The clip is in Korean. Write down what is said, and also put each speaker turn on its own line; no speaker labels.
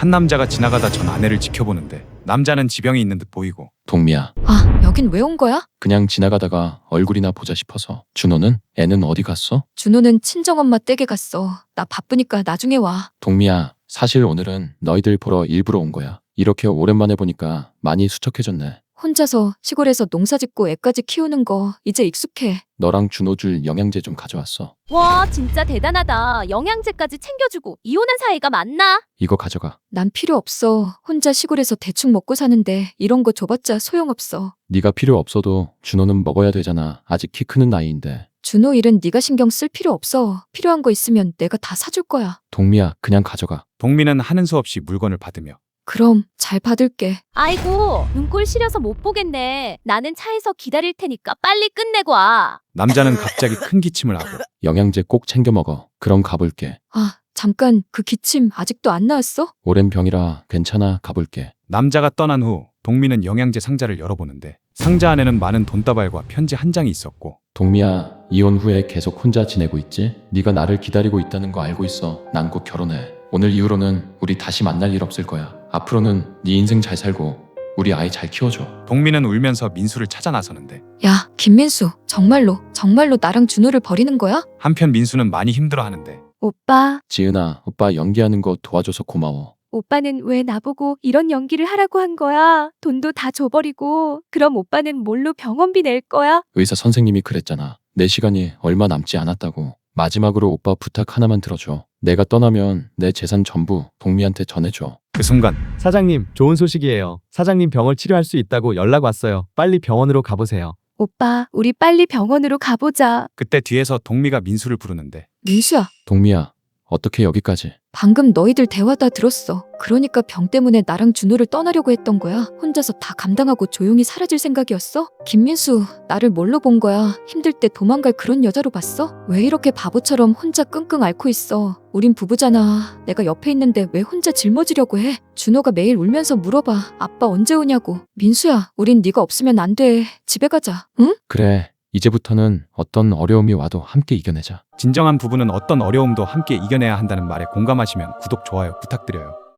한 남자가 지나가다 전 아내를 지켜보는데 남자는 지병이 있는 듯 보이고.
동미야,
아, 여긴 왜 온 거야?
그냥 지나가다가 얼굴이나 보자 싶어서. 준호는? 애는 어디 갔어?
준호는 친정엄마 댁에 갔어. 나 바쁘니까 나중에 와.
동미야, 사실 오늘은 너희들 보러 일부러 온 거야. 이렇게 오랜만에 보니까 많이 수척해졌네.
혼자서 시골에서 농사 짓고 애까지 키우는 거 이제 익숙해.
너랑 준호 줄 영양제 좀 가져왔어.
와, 진짜 대단하다. 영양제까지 챙겨주고 이혼한 사이가 맞나?
이거 가져가.
난 필요 없어. 혼자 시골에서 대충 먹고 사는데 이런 거 줘봤자 소용없어.
네가 필요 없어도 준호는 먹어야 되잖아. 아직 키 크는 나이인데.
준호 일은 네가 신경 쓸 필요 없어. 필요한 거 있으면 내가 다 사줄 거야.
동미야, 그냥 가져가.
동민은 하는 수 없이 물건을 받으며.
그럼 잘 받을게.
아이고, 눈꼴 시려서 못 보겠네. 나는 차에서 기다릴 테니까 빨리 끝내고 와.
남자는 갑자기 큰 기침을 하고.
영양제 꼭 챙겨 먹어. 그럼 가볼게.
아, 잠깐 그 기침 아직도 안 나왔어?
오랜 병이라 괜찮아. 가볼게.
남자가 떠난 후 동민은 영양제 상자를 열어보는데 상자 안에는 많은 돈다발과 편지 한 장이 있었고.
동미야, 이혼 후에 계속 혼자 지내고 있지? 네가 나를 기다리고 있다는 거 알고 있어. 난 곧 결혼해. 오늘 이후로는 우리 다시 만날 일 없을 거야. 앞으로는 네 인생 잘 살고 우리 아이 잘 키워줘.
동민은 울면서 민수를 찾아 나서는데
야, 김민수, 정말로 나랑 준호를 버리는 거야?
한편 민수는 많이 힘들어하는데.
오빠,
지은아, 오빠 연기하는 거 도와줘서 고마워.
오빠는 왜 나보고 이런 연기를 하라고 한 거야? 돈도 다 줘버리고. 그럼 오빠는 뭘로 병원비 낼 거야?
의사 선생님이 그랬잖아. 내 시간이 얼마 남지 않았다고. 마지막으로 오빠 부탁 하나만 들어줘. 내가 떠나면 내 재산 전부 동미한테 전해줘.
그 순간
사장님, 좋은 소식이에요. 사장님 병을 치료할 수 있다고 연락 왔어요. 빨리 병원으로 가보세요.
오빠, 우리 빨리 병원으로 가보자.
그때 뒤에서 동미가 민수를 부르는데.
민수야,
동미야, 어떻게 여기까지?
방금 너희들 대화 다 들었어. 그러니까 병 때문에 나랑 준호를 떠나려고 했던 거야? 혼자서 다 감당하고 조용히 사라질 생각이었어? 김민수, 나를 뭘로 본 거야? 힘들 때 도망갈 그런 여자로 봤어? 왜 이렇게 바보처럼 혼자 끙끙 앓고 있어? 우린 부부잖아. 내가 옆에 있는데 왜 혼자 짊어지려고 해? 준호가 매일 울면서 물어봐. 아빠 언제 오냐고. 민수야, 우린 네가 없으면 안 돼. 집에 가자. 응?
그래, 이제부터는 어떤 어려움이 와도 함께 이겨내자.
진정한 부부는 어떤 어려움도 함께 이겨내야 한다는 말에 공감하시면 구독, 좋아요 부탁드려요.